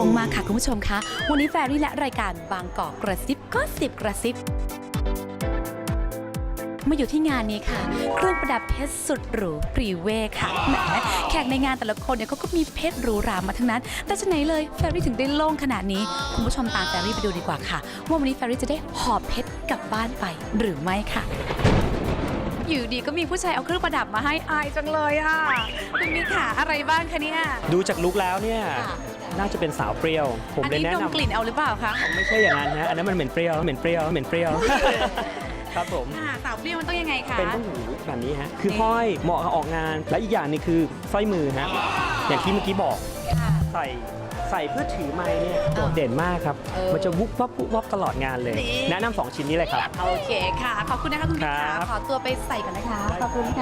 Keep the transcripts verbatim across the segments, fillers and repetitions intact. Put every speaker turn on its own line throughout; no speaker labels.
มากๆค่ะคุณผู้ชมคะวันนี้แฟรี่และรายการบางกอกกระซิบก็สิบกระซิบมาอยู่ที่งานนี้ค่ะเครื่องประดับเพชรสุดหรูพรีเวค่ะแหมแขกในงานแต่ละคนเนี่ยเขาก็มีเพชรหรูหรามาทั้งนั้นแต่จะไหนเลยแฟรี่ถึงได้โล่งขนาดนี้คุณผู้ชมตามแฟรี่ไปดูดีกว่าค่ะว่าวันนี้แฟรี่จะได้หอบเพชรกลับบ้านไปหรือไม่ค่ะอยู่ดีก็มีผู้ชายเอาเครื่องประดับมาให้อายจังเลยอ่ะคุณมีขาอะไรบ้างคะเนี่ย
ดูจากลุคแล้วเนี่ยน่าจะเป็นสาวเปรี้ยวผม
อัน
เลย
นี้
แนะ
ดม
นำ
กลิ่นเอาหรือเปล่าคะ
ไม่ใช่อย่างนั้นนะอันนั้นมันเหม็นเปรี้ยวเหม็นเปรี้ยวเหม็นเปรี้ยว ครับผม
ค่ะสาวเปรี้ยวมันต้องยังไงคะ
เป็นต้นหูแบบนี้ฮะคือห้อยเหมาะกับออกงานและอีกอย่างหนึงคือสร้อยมือฮะอย่างที่เมื่อกี้บอก
ค่ะ
ใส่ใส่เพื่อถือไม้เนี่ยโดด
เออ
เด่นมากครับ
เออ
มันจะวุบวับวุบวับตลอดงานเลย
นี่
แนะนำสองชิ้นนี้เลยครับ
โอเคค่ะขอบคุณนะคะคุณพี่
ครั
ขา
บ
ขอตัวไปใส่ก่อนนะคะขอบคุณค่ะ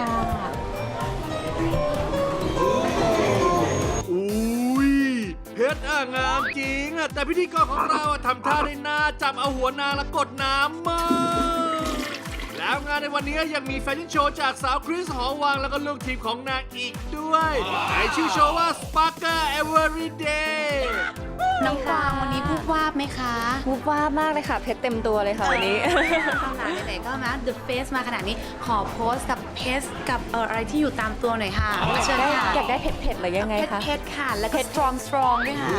อุ้ยเพชรอ่ะงามจริงอ่ะแต่พิธีกรของเราอ่ะทำท่าได้น่าจับเอาหัวนางแล้วกดน้ำมากแล้วงานในวันนี้ยังมีแฟชั่นโชว์จากสาวคริสหอวังแล้วก็ลูกทีมของนางอีกด้วยในชื่อโชว์ว่า Sparkle Everyday
น้องกวางวันนี้พูดว่าบไหมคะ
วูบว่าบมากเลยค่ะเพชรเต็มตัวเลยค่ะวันนี้
เอาหนาไหนๆก็มา The Face มาขนาดนี้ขอโพสกับเพชรกับเอ่ออะไรที่อยู่ตามตัวหน่อยค่ะเชิญค่ะ
อยากได้เผ็ดๆหรือยังไง
เพชร
คะ
เพชรค่ะแล้วก็ strong strong ด้วยค่ะ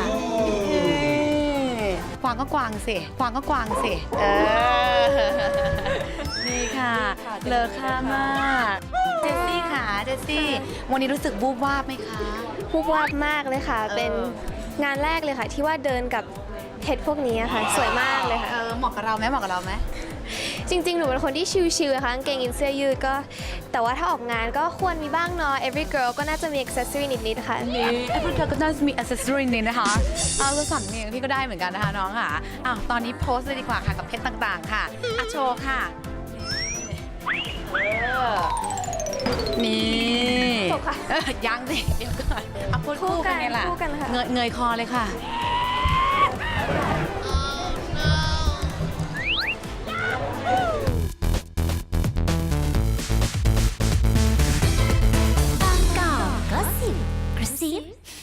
กวางก็กวางสิกวางก็กวางสิเออนี่ค่ะเลอค่ามากเจสซี่ค่ะเจสซี่วันนี้รู้สึกบูบวาบไหมคะ
วูบว่าบมากเลยค่ะ
เออ
เป็นงานแรกเลยค่ะ ที่ว่าเดินกับเพชรพวกนี้อะค่ะ สวยมากเลยค่ะ
เออเหมาะกับเราไหมเหมาะกับเราไหม
จริงๆ หนูเป็นคนที่ชิลๆนะคะกางเกงยีนเสื้อยืดก็ แต่ว่าถ้าออกงานก็ควรมีบ้างเนาะ every girl ก็น่าจะมี accessory นิดๆค่ะ
ไอ้พวกเธอก็น่าจะมีอ c เซสซอรีนี้นะคะเอาแล้วสั่นเนี่ยพี่ก็ได้เหมือนกันนะคะน้องค่ะอ้าวตอนนี้โพสต์เลยดีกว่าค่ะกับเพชรต่างๆค่ะอ่ะโชว์ค่ะเออนี่
จบค่ะ
เอ้ยยังสิเดี๋ยวก่อนเอาพูด
คู่
คู่
กั
กัน นไงล่ะ
คู่กันค่ะ
เงยเงยคอเลยค่ะ
บางกอกก็สิบกระซิ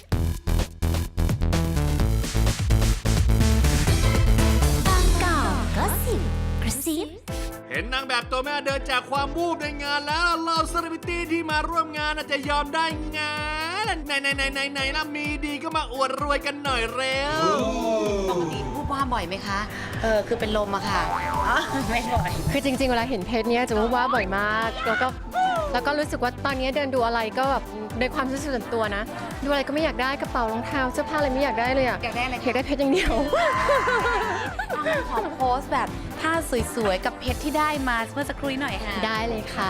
บางกอกก็สิบกระซิบ
เห็นนางแบบตัวแม่เดินจากความวูบในงานแล้วเราเซเลบริตี้ที่มาร่วมงานน่ะจะยอมได้ไงไหนไหนไหนไหนไหนล่ะมีดีก็มาอวดรวยกันหน่อยเร็ว
ปกติพูดว่าบ่อยไหมคะเออคือเป็นลมอะค่ะอ๋อไม่บ่อย
คือจริงๆ เวลาเห็นเพชรเนี่ยจะรู้ว่าบ่อยมาก แล้วก็แล้วก็รู้สึกว่าตอนนี้เดินดูอะไรก็แบบในความรู้สึกส่วนตัวนะ ดูอะไรก็ไม่อยากได้กระเป๋ารองเท้าเสื้อผ้าอะไรไม่อยากได้เลยอะ
อยากได้อะไร
อยากได้เพชรอย่างเดียว
ขอโพสต์แบบท่าสวยๆ กับเพชรที่ได้มาเมื่อสักครู่นี้หน่อยค่ะ
ได้เลยค่ะ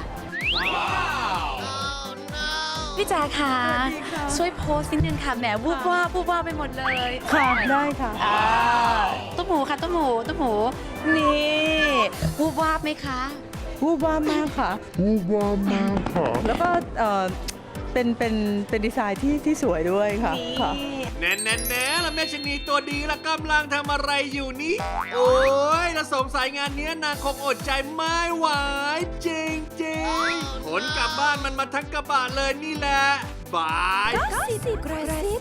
พี่แจ๊คค่ะช่วยโพสต์นิดนึงค่ะแหมวูบว่าบวูบว่าบไปหมดเลย
ค่ะได้ค่ะ
อ่าตุ้มหมูค่ะตุ้มหมูตุ้มหมูนี่วูบว่าบไหมคะ
วูบวาบมากค่ะวูบวาบมากค่ะ แล้วก็เอ่อเป็นเป็นเป็นดีไซน์ที่ที่สวยด้วยค่ะค่ะ
แน่แน่แน่ละแม่ชะนีตัวดีละกำลังทำอะไรอยู่นี่ โอ้ยแล้วสงสัยงานเนี้ยนางคงอดใจไม่ไหวจริงจริงๆขนกลับบ้านมันมาทั้งกระบะเลยนี่แหละบาย
สิบกระซิ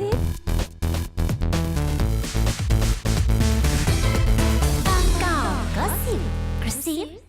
บางกอกก็สิบกระซิบ